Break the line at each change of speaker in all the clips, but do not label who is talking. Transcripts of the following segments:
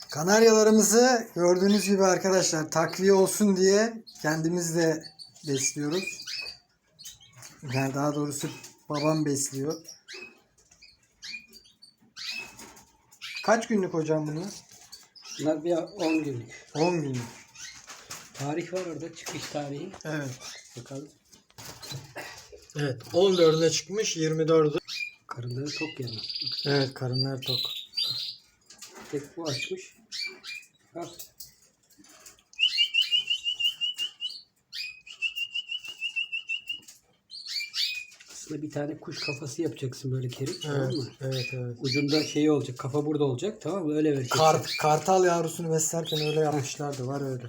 Kanaryalarımızı gördüğünüz gibi arkadaşlar takviye olsun diye kendimiz de besliyoruz. Yani daha doğrusu babam besliyor. Kaç günlük hocam bunlar?
Bunlar bir 10 günlük.
10 günlük.
Tarih var orada, çıkış tarihi.
Evet.
Bakalım.
Evet. 14'üne çıkmış, 24'ü.
Karınları tok yani.
Evet, karınları tok.
Tek bu açmış. Bak. Aslında bir tane kuş kafası yapacaksın böyle Kerim. Tamam
Evet,
mı?
evet, evet.
Ucunda şey olacak. Kafa burada olacak. Tamam mı? Öyle vereceksin.
Kartal yavrusunu beslerken öyle yapmışlardı. Var öyle.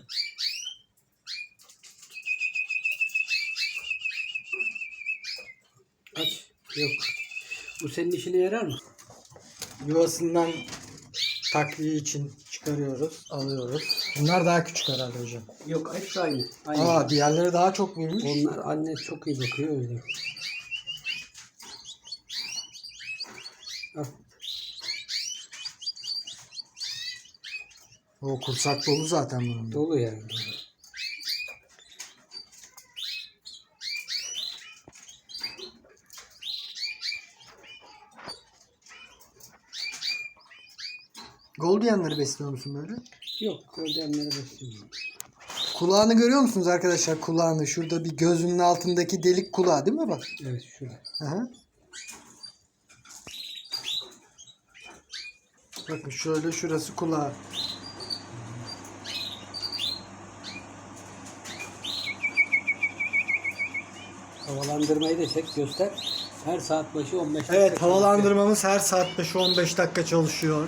Aç. Yok. Bu senin işine yarar mı?
Yuvasından takviye için çıkarıyoruz, alıyoruz. Bunlar daha küçük herhalde hocam.
Yok, hepsi aynı. Aynı.
Aa, diğerleri daha çok büyümüş.
Onlar anne çok iyi bakıyor o yüzden. Al.
O kursak dolu zaten bunun.
Dolu yani.
Goldianları besliyor musun böyle?
Yok, goldenlere beslemiyorum.
Kulağını görüyor musunuz arkadaşlar? Kulağını. Şurada bir gözünün altındaki delik kulağı değil mi bak?
Evet, şurada.
Aha. Bakın şöyle şurası kulağı.
Havalandırmayı da çek, göster. Her saat başı 15 dakika.
Evet, havalandırmamız her saat başı 15 dakika çalışıyor.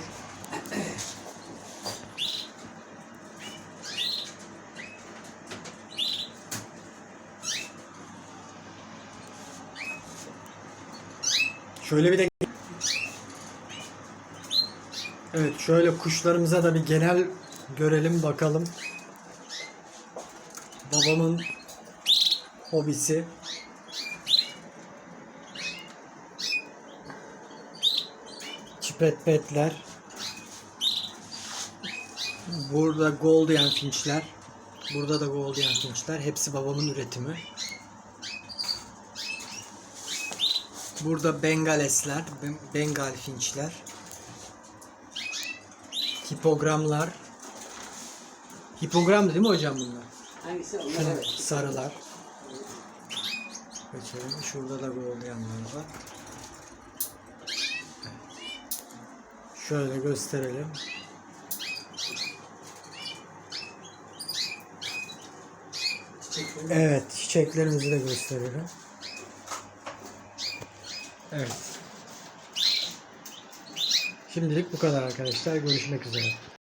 Şöyle bir de evet, şöyle kuşlarımıza da bir genel görelim bakalım. Babamın hobisi. Çipetpetler. Burada Golden Finch'ler. Burada da Golden Finch'ler. Hepsi babamın üretimi. Burada Bengalesler. Bengal Finch'ler. Hipogramlar. Hipogramdı değil mi hocam bunlar?
Hangisi? Onlar
Şunlar,
evet.
sarılar. Geçelim. Şurada da Golden'lar var. Şöyle gösterelim. Evet, çiçeklerimizi de gösterelim. Evet. Şimdilik bu kadar arkadaşlar. Görüşmek üzere.